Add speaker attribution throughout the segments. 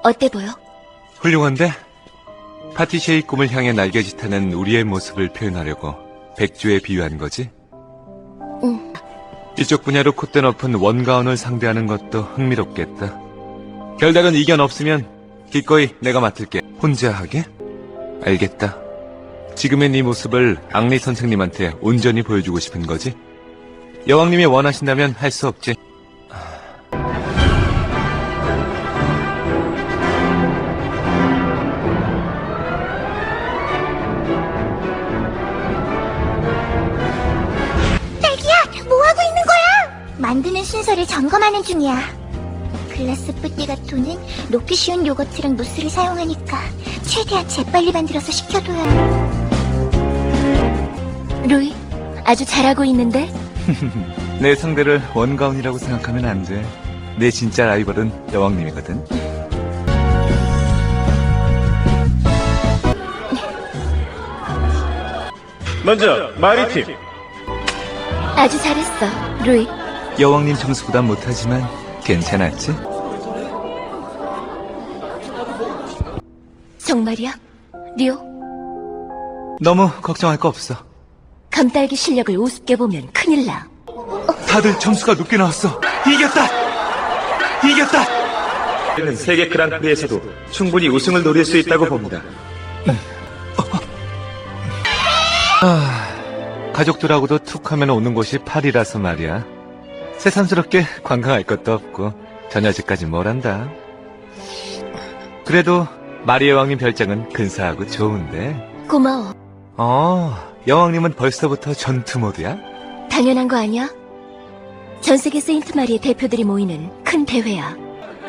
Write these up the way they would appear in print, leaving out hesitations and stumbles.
Speaker 1: 어때 보여?
Speaker 2: 훌륭한데? 파티쉐이 꿈을 향해 날개짓하는 우리의 모습을 표현하려고 백조에 비유한 거지?
Speaker 1: 응.
Speaker 2: 이쪽 분야로 콧대 높은 원가원을 상대하는 것도 흥미롭겠다. 별다른 이견 없으면 기꺼이 내가 맡을게. 혼자 하게? 알겠다. 지금의 네 모습을 앙리 선생님한테 온전히 보여주고 싶은 거지? 여왕님이 원하신다면 할 수 없지.
Speaker 3: 딸기야, 뭐하고 있는 거야? 만드는 순서를 점검하는 중이야. 글라스 뿌띠가 도는 녹기 쉬운 요거트랑 무스를 사용하니까 최대한 재빨리 만들어서 식혀둬야 해.
Speaker 1: 루이, 아주 잘하고 있는데?
Speaker 2: 내 상대를 원가운이라고 생각하면 안 돼. 내 진짜 라이벌은 여왕님이거든.
Speaker 4: 먼저 마리팀.
Speaker 1: 아주 잘했어, 루이.
Speaker 2: 여왕님 점수보단 못하지만 괜찮았지?
Speaker 1: 정말이야? 리오,
Speaker 2: 너무 걱정할 거 없어.
Speaker 1: 감딸기 실력을 우습게 보면 큰일 나.
Speaker 2: 다들 점수가 높게 나왔어. 이겼다! 이겼다!
Speaker 4: 세계 그랑프리에서도 충분히 우승을 노릴 수 있다고 봅니다.
Speaker 2: 가족들하고도 툭 하면 오는 곳이 파리라서 말이야. 새삼스럽게 관광할 것도 없고 전야제까지 뭘 한다. 그래도 마리 여왕님 별장은 근사하고 좋은데.
Speaker 1: 고마워.
Speaker 2: 여왕님은 벌써부터 전투 모드야?
Speaker 1: 당연한 거 아니야? 전 세계 세인트 마리의 대표들이 모이는 큰 대회야.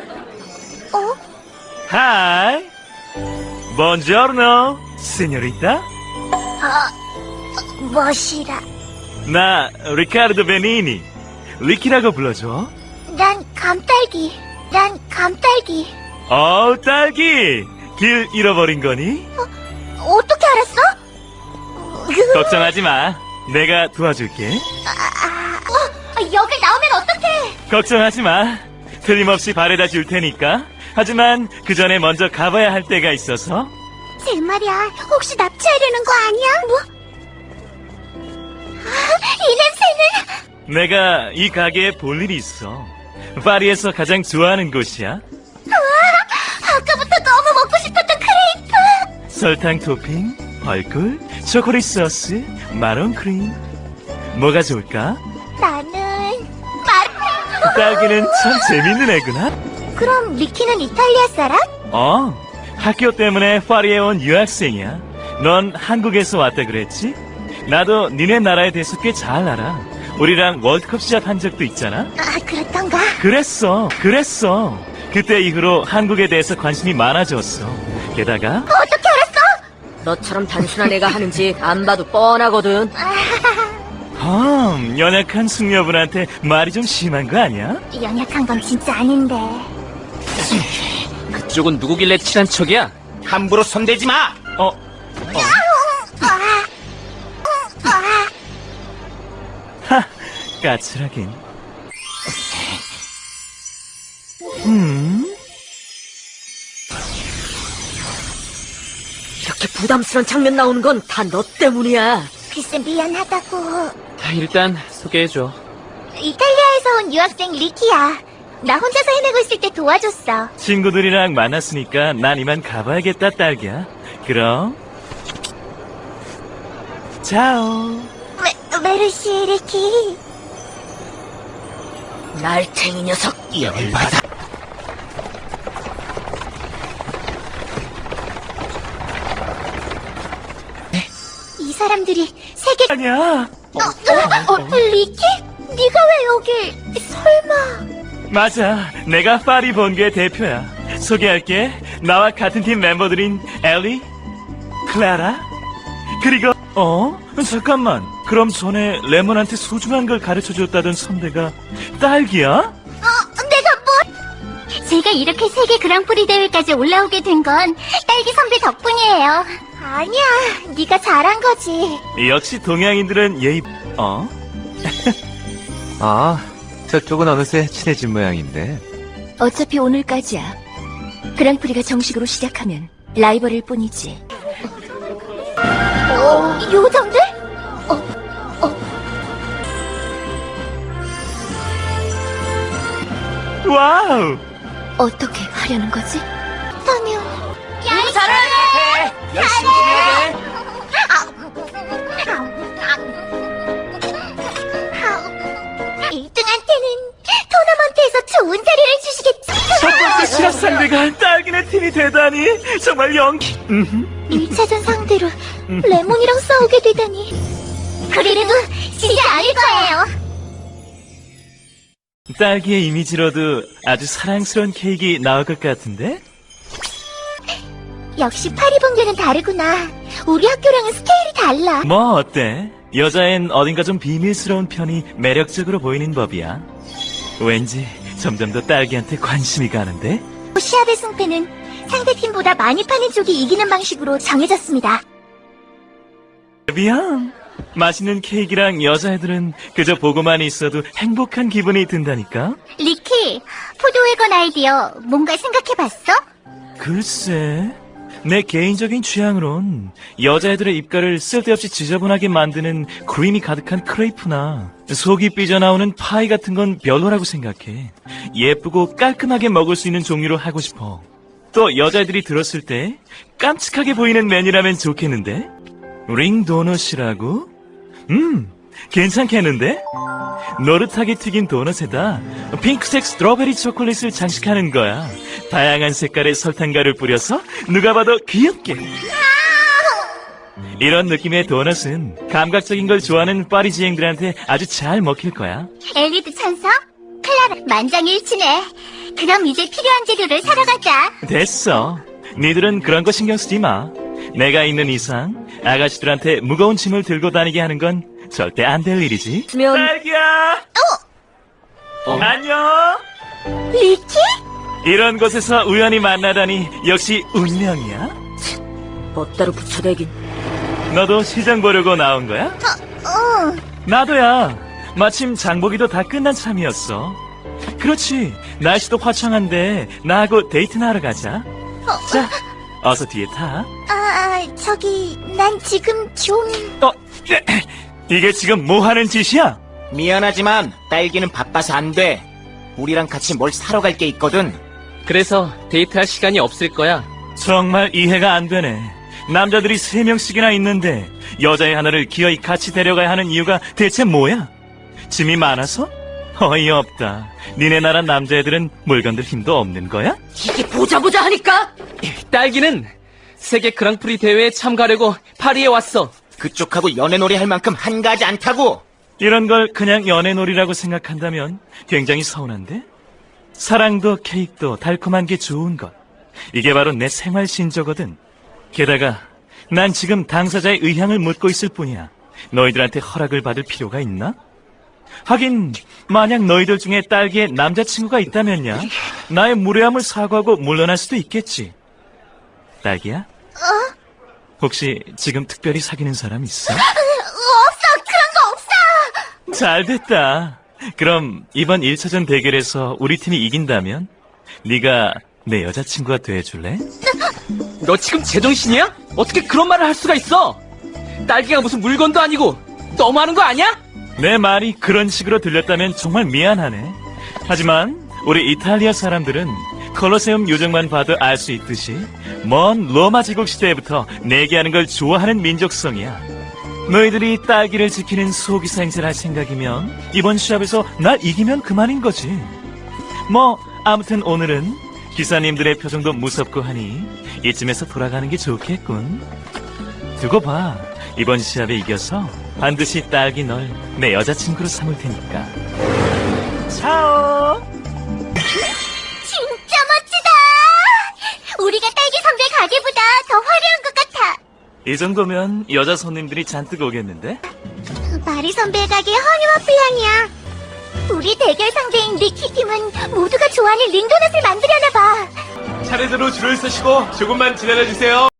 Speaker 5: Hi. Buongiorno, signorita.
Speaker 3: 멋이라.
Speaker 5: 나 리카르도 베니니. 리키라고 불러줘.
Speaker 3: 난 감딸기.
Speaker 5: 딸기. 길 잃어버린 거니?
Speaker 3: 어떻게 알았어?
Speaker 5: 걱정하지 마. 내가 도와줄게.
Speaker 3: 여길 나오면 어떡해?
Speaker 5: 걱정하지 마. 틀림없이 바래다 줄 테니까. 하지만 그 전에 먼저 가봐야 할 때가 있어서.
Speaker 3: 제 말이야, 혹시 납치하려는 거 아니야? 뭐? 이 냄새는...
Speaker 5: 내가 이 가게에 볼 일이 있어. 파리에서 가장 좋아하는 곳이야.
Speaker 3: 아까부터 너무 먹고 싶었던 크레이프!
Speaker 5: 설탕 토핑, 벌꿀, 초콜릿 소스, 마론 크림. 뭐가 좋을까?
Speaker 3: 나는...
Speaker 5: 딸기는 참 재밌는 애구나.
Speaker 3: 그럼 리키는 이탈리아 사람?
Speaker 5: 학교 때문에 파리에 온 유학생이야. 넌 한국에서 왔다 그랬지? 나도 니네 나라에 대해서 꽤 잘 알아. 우리랑 월드컵 시합한 적도 있잖아.
Speaker 3: 그렇던가?
Speaker 5: 그랬어. 그때 이후로 한국에 대해서 관심이 많아졌어. 게다가
Speaker 3: 어떻게 알았어?
Speaker 6: 너처럼 단순한 애가 하는지 안 봐도 뻔하거든.
Speaker 5: 연약한 숙녀분한테 말이 좀 심한 거 아니야?
Speaker 3: 연약한 건 진짜 아닌데.
Speaker 7: 그쪽은 누구길래 친한 척이야? 함부로 손대지 마!
Speaker 5: 까칠하긴.
Speaker 6: 이렇게 부담스러운 장면 나오는 건 다 너 때문이야.
Speaker 3: 글쎄 미안하다고.
Speaker 7: 일단 소개해줘.
Speaker 3: 이탈리아에서 온 유학생 리키야. 나 혼자서 헤매고 있을 때 도와줬어.
Speaker 5: 친구들이랑 만났으니까 난 이만 가봐야겠다, 딸기야. 그럼 자오.
Speaker 3: 메르시 리키.
Speaker 6: 날탱이 녀석.
Speaker 7: 열받아.
Speaker 3: 이 사람들이 세계...
Speaker 5: 아니야.
Speaker 3: 리키? 네가 왜 여기... 설마...
Speaker 5: 맞아. 내가 파리 본교의 대표야. 소개할게. 나와 같은 팀 멤버들인 엘리, 클라라, 그리고 잠깐만. 그럼 전에 레몬한테 소중한 걸 가르쳐줬다던 선배가 딸기야?
Speaker 3: 내가 뭐... 제가 이렇게 세계 그랑프리 대회까지 올라오게 된 건 딸기 선배 덕분이에요. 아니야, 네가 잘한 거지.
Speaker 5: 역시 동양인들은 예의...
Speaker 2: 저쪽은 어느새 친해진 모양인데.
Speaker 1: 어차피 오늘까지야. 그랑프리가 정식으로 시작하면 라이벌일 뿐이지.
Speaker 3: 요정들?
Speaker 5: 와우!
Speaker 1: 어떻게 하려는 거지?
Speaker 3: 타면.
Speaker 7: 잘해! 열심히 좀 해야 돼.
Speaker 3: 1등한테는 토너먼트에서 좋은 자리를 주시겠지.
Speaker 5: 첫 번째 시합 상대가 딸기네 팀이 되다니 정말
Speaker 3: 1차전 상대로 레몬이랑 싸우게 되다니. 그래도 지지 않을 거예요.
Speaker 5: 딸기의 이미지로도 아주 사랑스러운 케이크 나올 것 같은데?
Speaker 3: 역시 파리봉교는 다르구나. 우리 학교랑은 스케일이 달라.
Speaker 5: 뭐 어때? 여자엔 어딘가 좀 비밀스러운 편이 매력적으로 보이는 법이야. 왠지 점점 더 딸기한테 관심이 가는데?
Speaker 3: 시합의 승패는 상대팀보다 많이 파는 쪽이 이기는 방식으로 정해졌습니다.
Speaker 5: 미안. 맛있는 케이크랑 여자애들은 그저 보고만 있어도 행복한 기분이 든다니까?
Speaker 3: 리키, 포도회건 아이디어 뭔가 생각해봤어?
Speaker 5: 글쎄, 내 개인적인 취향으론 여자애들의 입가를 쓸데없이 지저분하게 만드는 크림이 가득한 크레이프나 속이 삐져나오는 파이 같은 건 별로라고 생각해. 예쁘고 깔끔하게 먹을 수 있는 종류로 하고 싶어. 또 여자애들이 들었을 때 깜찍하게 보이는 메뉴라면 좋겠는데? 링 도넛이라고? 괜찮겠는데? 노릇하게 튀긴 도넛에다 핑크색 스트로베리 초콜릿을 장식하는 거야. 다양한 색깔의 설탕가루를 뿌려서 누가 봐도 귀엽게. 이런 느낌의 도넛은 감각적인 걸 좋아하는 파리지앵들한테 아주 잘 먹힐 거야.
Speaker 3: 엘리드 천서? 클라라, 만장일치네. 그럼 이제 필요한 재료를 사러 가자.
Speaker 5: 됐어. 니들은 그런 거 신경 쓰지 마. 내가 있는 이상 아가씨들한테 무거운 짐을 들고 다니게 하는 건 절대 안 될 일이지.
Speaker 6: 면
Speaker 5: 딸기야! 안녕!
Speaker 3: 리키?
Speaker 5: 이런 곳에서 우연히 만나다니 역시 운명이야.
Speaker 6: 멋대로 붙여대긴.
Speaker 5: 너도 시장 보려고 나온 거야? 나도야. 마침 장보기도 다 끝난 참이었어. 그렇지. 날씨도 화창한데 나하고 데이트나 하러 가자. 자, 어서 뒤에 타.
Speaker 3: 난 지금 좀...
Speaker 5: 이게 지금 뭐 하는 짓이야?
Speaker 7: 미안하지만 딸기는 바빠서 안 돼. 우리랑 같이 뭘 사러 갈 게 있거든.
Speaker 8: 그래서 데이트할 시간이 없을 거야.
Speaker 5: 정말 이해가 안 되네. 남자들이 3명씩이나 있는데 여자애 하나를 기어이 같이 데려가야 하는 이유가 대체 뭐야? 짐이 많아서? 어이없다. 니네 나라 남자애들은 물건들 힘도 없는 거야?
Speaker 6: 이게 보자 하니까.
Speaker 8: 딸기는 세계 그랑프리 대회에 참가하려고 파리에 왔어.
Speaker 7: 그쪽하고 연애놀이 할 만큼 한가하지 않다고.
Speaker 5: 이런 걸 그냥 연애놀이라고 생각한다면 굉장히 서운한데? 사랑도 케이크도 달콤한 게 좋은 것. 이게 바로 내 생활 신조거든. 게다가 난 지금 당사자의 의향을 묻고 있을 뿐이야. 너희들한테 허락을 받을 필요가 있나? 하긴 만약 너희들 중에 딸기에 남자친구가 있다면야 나의 무례함을 사과하고 물러날 수도 있겠지. 딸기야? 혹시 지금 특별히 사귀는 사람 있어?
Speaker 3: 없어! 그런 거 없어!
Speaker 5: 잘 됐다. 그럼 이번 1차전 대결에서 우리 팀이 이긴다면 네가 내 여자친구가 돼줄래?
Speaker 8: 너 지금 제정신이야? 어떻게 그런 말을 할 수가 있어? 딸기가 무슨 물건도 아니고 너무하는 거 아니야?
Speaker 5: 내 말이 그런 식으로 들렸다면 정말 미안하네. 하지만 우리 이탈리아 사람들은 콜로세움 요정만 봐도 알 수 있듯이 먼 로마 제국 시대부터 내기하는 걸 좋아하는 민족성이야. 너희들이 딸기를 지키는 소기사 행세를 할 생각이면 이번 시합에서 날 이기면 그만인 거지. 뭐 아무튼 오늘은 기사님들의 표정도 무섭고 하니 이쯤에서 돌아가는 게 좋겠군. 두고 봐. 이번 시합에 이겨서 반드시 딸기 널 내 여자친구로 삼을 테니까. 차오!
Speaker 3: 진짜 멋지다! 우리가 딸기 선배 가게보다 더 화려한 것 같아.
Speaker 5: 이 정도면 여자 손님들이 잔뜩 오겠는데?
Speaker 3: 마리 선배 가게 허니와 플랑이야. 우리 대결 상대인 리키 팀은 모두가 좋아하는 링도넛을 만들려나 봐.
Speaker 2: 차례대로 줄을 서시고 조금만 기다려주세요.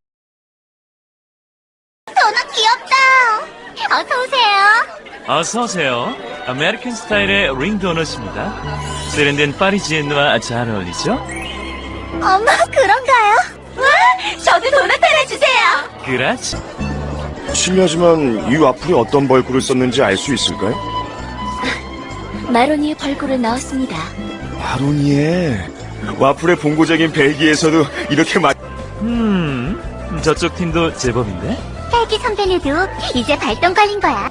Speaker 3: 도넛 귀엽다. 어서 오세요.
Speaker 5: 어서 오세요. 아메리칸 스타일의 링 도넛입니다. 세련된 파리지엔과 잘 어울리죠?
Speaker 3: 어머, 그런가요? 와, 저도 도넛 하나 주세요.
Speaker 5: 그라지.
Speaker 9: 실례하지만 이 와플에 어떤 벌꿀을 썼는지 알 수 있을까요?
Speaker 1: 마로니의 벌꿀을 넣었습니다.
Speaker 9: 마로니에 와플의 본고장인 벨기에에서도 이렇게
Speaker 5: 저쪽 팀도 제법인데?
Speaker 3: 딸기 선배네도 이제 발동 걸린 거야.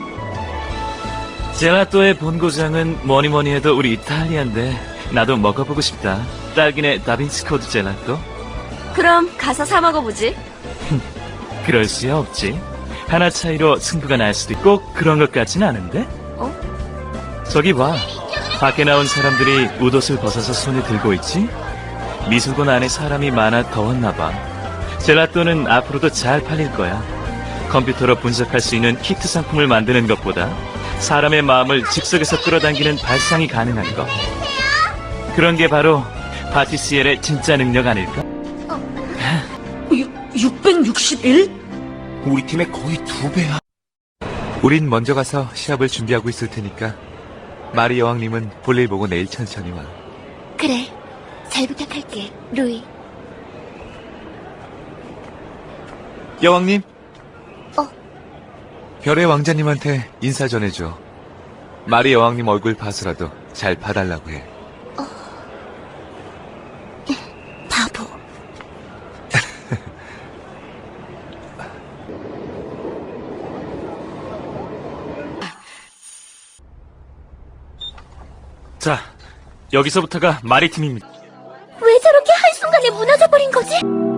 Speaker 5: 젤라또의 본고장은 뭐니 해도 우리 이탈리아인데 나도 먹어보고 싶다. 딸기네 다빈치 코드 젤라또?
Speaker 6: 그럼 가서 사 먹어보지.
Speaker 5: 그럴 수야 없지. 하나 차이로 승부가 날 수도 있고 꼭 그런 것 같진 않은데? 저기 봐. 밖에 나온 사람들이 웃옷을 벗어서 손에 들고 있지? 미술관 안에 사람이 많아 더웠나 봐. 젤라또는 앞으로도 잘 팔릴 거야. 컴퓨터로 분석할 수 있는 히트 상품을 만드는 것보다 사람의 마음을 즉석에서 끌어당기는 발상이 가능한 것. 그런 게 바로 파티시엘의 진짜 능력 아닐까?
Speaker 6: 661?
Speaker 7: 우리 팀의 거의 2배야.
Speaker 2: 우린 먼저 가서 시합을 준비하고 있을 테니까 마리 여왕님은 볼일 보고 내일 천천히 와.
Speaker 1: 그래, 잘 부탁할게, 루이.
Speaker 2: 여왕님? 별의 왕자님한테 인사 전해줘. 마리 여왕님 얼굴 봐서라도 잘 봐달라고 해.
Speaker 1: 바보.
Speaker 5: 자, 여기서부터가 마리 팀입니다.
Speaker 3: 왜 저렇게 한순간에 무너져버린 거지?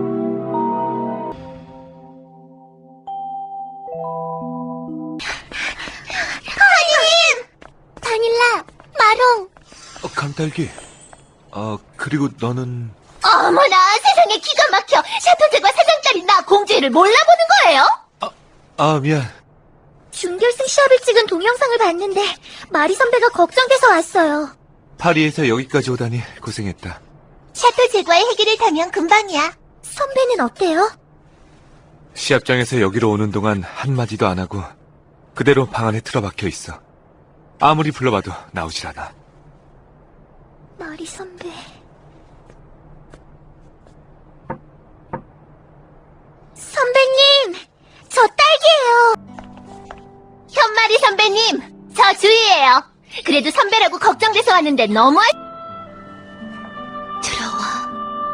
Speaker 3: 하님! 바닐라, 마롱.
Speaker 2: 감딸기. 그리고 너는...
Speaker 3: 어머나, 세상에 기가 막혀. 샤토 제과 사장딸인 나 공주를 몰라보는 거예요?
Speaker 2: 미안.
Speaker 3: 준결승 시합을 찍은 동영상을 봤는데 마리 선배가 걱정돼서 왔어요.
Speaker 2: 파리에서 여기까지 오다니 고생했다.
Speaker 3: 샤토 제과의 해결을 타면 금방이야. 선배는 어때요?
Speaker 2: 시합장에서 여기로 오는 동안 한마디도 안 하고 그대로 방 안에 틀어박혀 있어. 아무리 불러봐도 나오질 않아.
Speaker 3: 마리 선배. 선배님, 저 딸기예요. 현마리 선배님, 저 주희예요. 그래도 선배라고 걱정돼서 왔는데 너무
Speaker 1: 들어와.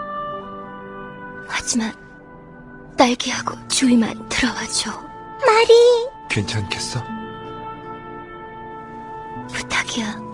Speaker 1: 하지만 딸기하고 주위만 들어와줘.
Speaker 3: 마리.
Speaker 2: 괜찮겠어?
Speaker 1: 부탁이야.